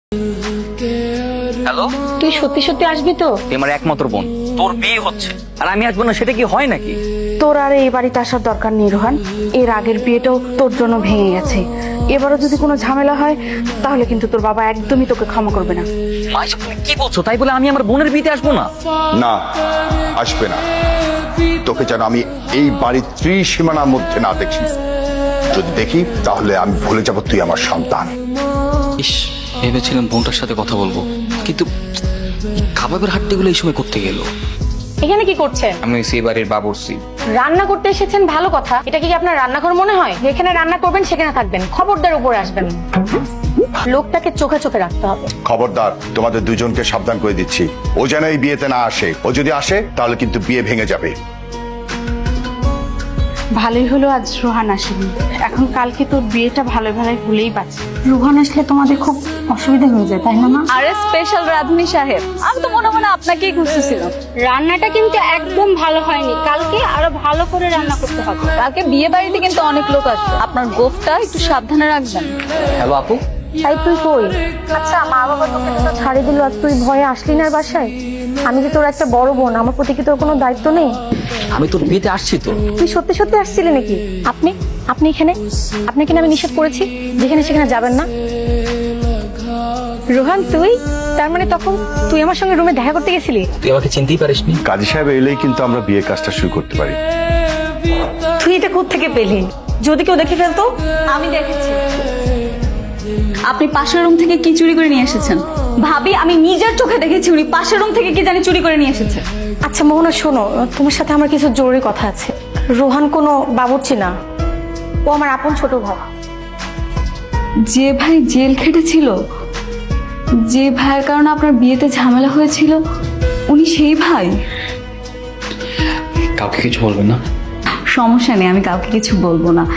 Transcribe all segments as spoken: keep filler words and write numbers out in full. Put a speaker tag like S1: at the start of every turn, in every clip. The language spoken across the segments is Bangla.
S1: হ্যালো,
S2: তুই সত্যি সত্যি আসবি তো?
S1: তুই আমার একমাত্র বোন, তোর বিয়ে হচ্ছে আর আমি আসবো না, সেটা কি হয় নাকি?
S2: তোর আর এই বাড়িতে আসার দরকার নেই রোহান। এর আগের বিয়েটাও তোর জন্য ভেঙে গেছে। এবারও যদি কোনো ঝামেলা হয় তাহলে কিন্তু তোর বাবা একদমই তোকে ক্ষমা করবে না।
S1: মা, এসব তুমি কি বলছো? তাই বলে আমি আমার বোনের বিয়েতে আসবো না?
S3: না, আসবে না। তোকে যেন আমি এই বাড়ির ত্রিসীমানার মধ্যে না দেখি। যদি দেখি তাহলে আমি ভুলে যাব তুই আমার সন্তান।
S1: ইস, ভেবেছিলাম বোনটার সাথে কথা বলবো, কিন্তু কাবাবের হাট্টিগুলো এই সময় করতে গেল।
S2: এখানে কি করছেন?
S1: আমি সেই বাড়ির বাবুর্চি।
S2: রান্না করতে এসেছেন, ভালো কথা। এটা কি আপনার রান্নাঘর মনে হয়? যেখানে রান্না করবেন সেখানে থাকবেন, খবরদার উপরে আসবেন না। লোকটাকে চোখে চোখে রাখতে হবে।
S3: খবরদার, তোমাদের দুজনকে সাবধান করে দিচ্ছি। ও যেন এই বিয়েতে না আসে। ও যদি আসে তাহলে কিন্তু বিয়ে ভেঙে যাবে।
S2: ভালোই হলো আজ রোহান আসেনি। এখন কালকে তোর বিয়েটা ভালো ভালোই ভুলেই পাচ্ছে। রোহান আসলে তোমাদের খুব অসুবিধা হয়ে যায়, তাই না মা?
S4: আরে স্পেশাল রাধুনি সাহেব, আমি তো মনে মনে আপনাকেই খুঁজতেছিলাম।
S2: রান্নাটা কিন্তু একদম ভালো হয়নি, কালকে আরো ভালো করে রান্না করতে হবে।
S4: কালকে বিয়ে বাড়িতে কিন্তু অনেক লোক আসবে, আপনার গোফটা একটু সাবধানে রাখবেন।
S1: হ্যালো আপু,
S2: তাই তুই কই? আচ্ছা, মা বাবা তোকে তো ছাড়ি দিল, আর তুই ভয়ে আসলি না বাসায়? আমি যে তোর একটা বড় বোন, আমার প্রতি কি তোর কোনো দায়িত্ব নেই?
S1: আমি তোর বিয়েতে আসছি তো।
S2: তুই সত্যি সত্যি আসছিলি নাকি? আপনি আপনি এখানে? আপনাকে না আমি নিষেধ করেছি যেখানে সেখানে যাবেন না। রোহান, তুই তার মানে তখন তুই আমার সঙ্গে রুমে দেখা করতে গেছিলি?
S1: তুই আমাকে চিনতেই পারিসনি।
S3: কাজী সাহেব এলেই কিন্তু আমরা বিয়ের কাজটা শুরু করতে পারি।
S2: তুই এটা কোত্থেকে পেলি? যদি কেউ দেখে ফেলতো?
S4: আমি দেখেছি আপনি পাশের রুম থেকে কি চুরি করে নিয়ে এসেছেন। ভাবি, আমি নিজের চোখে দেখেছি উনি পাশের রুম থেকে কি জানি চুরি করে নিয়ে এসেছে।
S2: আচ্ছা মোহনা, শোনো, তোমার সাথে আমার কিছু জরুরি কথা আছে। রোহান কোনো বাবুর্চি না, ও আমার আপন ছোট ভাই।
S4: যে ভাই জেল খেটেছিল, যে ভাইয়ের কারণে আপনার বিয়েতে ঝামেলা হয়েছিল, উনি সেই ভাই?
S1: কাউকে কিছু বলবেন না।
S4: সমস্যা নেই, আমি কাউকে কিছু বলবো না।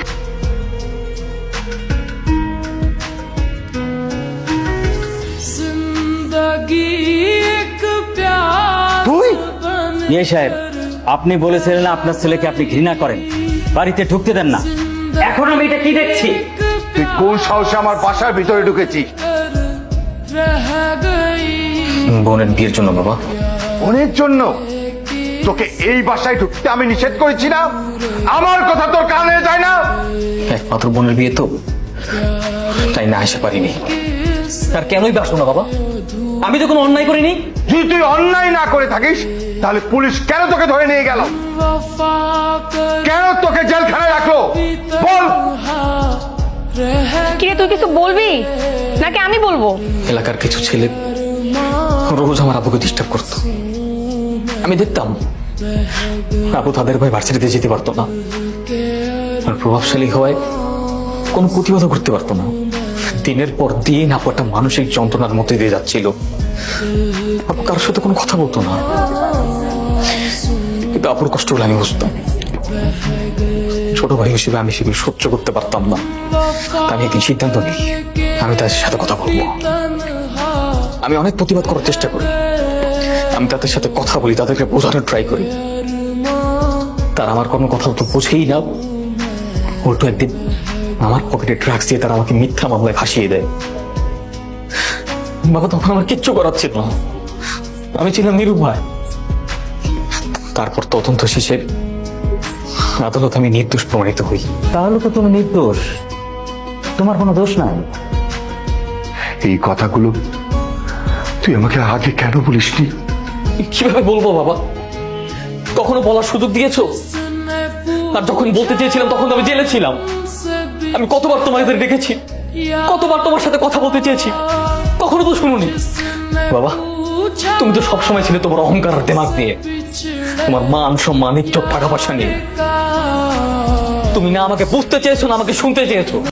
S3: তুই
S5: ইয়ে সাহেব, আপনি বলেছিলেন আপনার ছেলেকে আপনি ঘৃণা করেন, বাড়িতে ঢুকতে দেন না। এখন আমি এটা কি দেখছি?
S3: তুই কোন সাহসে আমার বাসার ভিতরে ঢুকেছিস?
S1: বোনের বিয়ের জন্য বাবা।
S3: বোনের জন্য? তোকে এই বাসায় ঢুকতে আমি নিষেধ করেছি না? আমার কথা তোর কানে যায় না?
S1: একমাত্র বোনের বিয়ে তো, তাই না আসতে পারিনি। আর কেনই বাসো না বাবা? আমি তো কোনো অন্যায় করিনি।
S3: যদি তুই অন্যায় না করে থাকিস তাহলে পুলিশ কেন তোকে ধরে নিয়ে গেল? কেন তোকে জেলখানায় রাখলো বল?
S2: কিরে, তুই কিছু বলবি নাকি আমি বলবো?
S1: এলাকার কিছু ছেলে রোজ আমার আব্বুকে ডিস্টার্ব করতো। আমি দেখতাম আব্বু তাদের ভয় ভার্সিটিতে যেতে পারতো না, আর প্রভাবশালী হওয়ায় কোনো প্রতিবাদও করতে পারতো না। দিনের পর দিন আপু একটা মানসিক যন্ত্রণার মধ্যে দিয়ে যাচ্ছিল। আপু কারোর সাথে কোনো কথা বলতো না, কিন্তু আপুর কষ্টগুলো আমি বুঝতাম। ছোট ভাই হিসেবে আমি সেগুলো সহ্য করতে পারতাম না। আমি একদিন সিদ্ধান্ত নিই, আমি তাদের সাথে কথা বলবো। আমি অনেক প্রতিবাদ করার চেষ্টা করি, আমি তাদের সাথে কথা বলি, তাদেরকে বোঝানোর ট্রাই করি। তারা আমার কোনো কথা তো বোঝেই না। উল্টো একদিন আমার পকেটে ড্রাগস দিয়ে তারা আমাকে মিথ্যা মামলায় ফাঁসিয়ে দেয়। বাবা, তখন আমার কিচ্ছু করার ছিল না, আমি ছিলাম নিরুপায়। তারপর তদন্ত শেষে আদালত আমি নির্দোষ প্রমাণিত হই।
S5: তাহলে তো তুমি নির্দোষ, তোমার কোনো দোষ নাই।
S3: এই কথাগুলো তুই আমাকে আগে কেন বলিসনি?
S1: কিভাবে বলবো বাবা? কখনো বলার সুযোগ দিয়েছো? আর যখন বলতে চেয়েছিলাম তখন তো আমি জেলে ছিলাম। আমি কতবার তোমাদের ডেকেছি, কতবার তোমার সাথে কথা বলতে চেয়েছি, কখনো তো শুনুনি। বাবা, তুমি তো সবসময় ছিলে তোমার অহংকার আর দেমাগ দিয়ে, তোমার মান সম্মান ইজ্জত টাকা পয়সা নিয়ে। তুমি না আমাকে বুঝতে চেয়েছো না আমাকে শুনতে চেয়েছো।